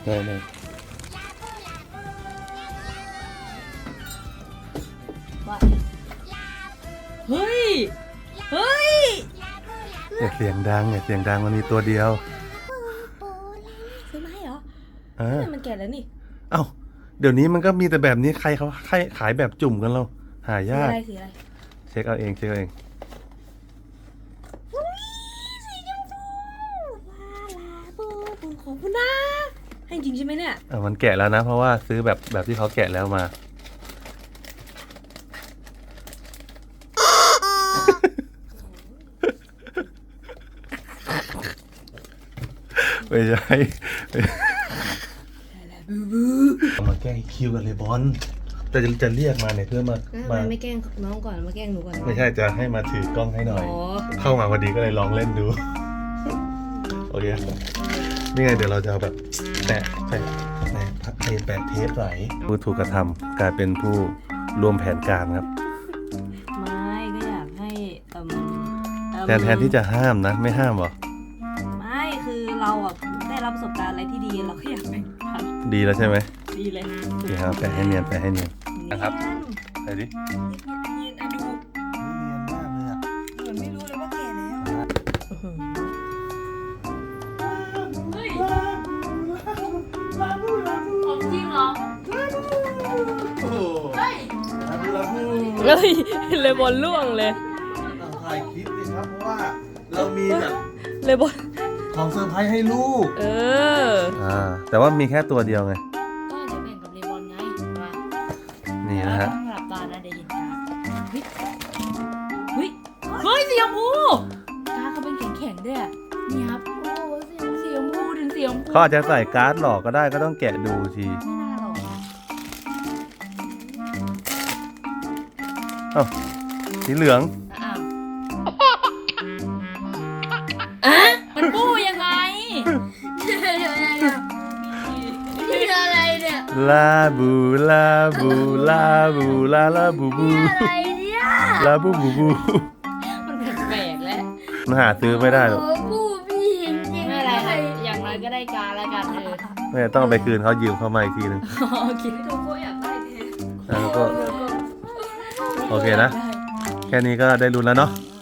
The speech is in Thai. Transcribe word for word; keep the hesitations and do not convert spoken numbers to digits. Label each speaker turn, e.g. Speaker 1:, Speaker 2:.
Speaker 1: ได้ได้
Speaker 2: ว่าเฮ้ยเฮ้ย
Speaker 1: อย่าเสียงดังอย่าเสียงดังมันมีตัวเดียว
Speaker 2: ซื้อมาให้เหรอ
Speaker 1: เออ
Speaker 2: มันแก่แล้วนี่
Speaker 1: เอ้าเดี๋ยวนี้มันก็มีแต่แบบนี้ใครเขาขายแบบจุ่มกันเราหา
Speaker 2: สี
Speaker 1: ยาก
Speaker 2: อะไรสีอะไร
Speaker 1: เช็คเอาเองเช็คเอาเอง
Speaker 2: สีชมพูลาลาบูบูขอบคุณนะให้จริงใช่ไหมเนี่ย
Speaker 1: อ่ะมันแกะแล้วนะเพราะว่าซื้อแบบแบบที่เขาแกะแล้วมา ไม่ใช่มาแกล้งคิวกันเลยบอลแต่จะจะเรียกมาเนี่ยเพื่อมา
Speaker 2: ทำไม
Speaker 1: มา
Speaker 2: ไม่แกล้งน้องก่อนมาแกล้งหนูก่อน
Speaker 1: ไม่ใช่จะให้มาถือกล้องให้หน่อย
Speaker 2: อ๋อ
Speaker 1: เข้ามาพอดีก็เลยลองเล่นดู โอเคนี่ไงเดี๋ยวเราจะเอาแบบแปะแปะแปะแปะแปะเทปไหลผู้ถูกกระทำกลายเป็นผู้ร่วมแผนการครับ
Speaker 2: ไม่ก็อยากให้เอ่มเอิ่ม
Speaker 1: แทนแทนที่จะห้ามนะไม่ห้ามหรอ
Speaker 2: ไม่คือเราอ่ะได้รับประสบการณ์อะไรที่ดีเราก็อยากแบ่งปัน
Speaker 1: ดีแล้วใช่ไหม
Speaker 2: ดีเลย
Speaker 1: โอเคครับแปะให้เนียนแปะให้เนียน นะครับ ไหนดิ
Speaker 2: เนียนอ่ะดู
Speaker 1: เนียนมากเลยอ่ะ
Speaker 2: เหมือนไม่รู้เลยว่าแก่แล้วเฮ้ยของจริงเหรอ
Speaker 1: โอ้โห
Speaker 2: เฮ้ย
Speaker 1: ลาบู
Speaker 2: เฮ้ยเลยบอลล่วงเลย
Speaker 1: ต้องถ่ายคลิปสิครับเพราะว่าเรามีแบบ
Speaker 2: เลยบอล
Speaker 1: ของเซอร์ไพรส์ให้ลูก
Speaker 2: เออ
Speaker 1: อ่าแต่ว่ามีแค่ตัวเดียวไง
Speaker 2: ก็เดี๋ยวแบ่งกับเลบอนไงมา
Speaker 1: นี่นะฮะ
Speaker 2: ต้องหลับตานะเดี๋ยวเห็นการเฮ้ยเฮ้ยเฮ้ยสีชมพูตาเขาเป็นแข็งๆด้วยอะนี่ครับโอ้โหสีชมพูถึงสีชมพู
Speaker 1: เขาอาจจะใส่การ์ดหลอกก็ได้ก็ต้องแกะดูที
Speaker 2: ไม่น่าหรอก
Speaker 1: เอ้าสีเหลือง
Speaker 2: อ้าวอะมันปู้ยังไงนี่อะไรเนี่ย
Speaker 1: ลาบูลาบูลาบูลาลาบูบู
Speaker 2: อะไรเนี่ย
Speaker 1: ลาบูบูบู
Speaker 2: มันแปลกๆแล้ว
Speaker 1: มันหาซื้อไม่ได้หรอก
Speaker 2: ปู้พี่จริงๆไม่อะไรครับอย่างน้อยก็ได้การแล้วกันเออ
Speaker 1: ไม่ต้องเอาไปคืนเขายืมเขามาอีกทีนึง
Speaker 2: โอเคโกโก้อยากได้แทน
Speaker 1: แล้วก็โอเคนะ แค่นี้ก็ได้รุนแล้วเนาะ
Speaker 2: ใ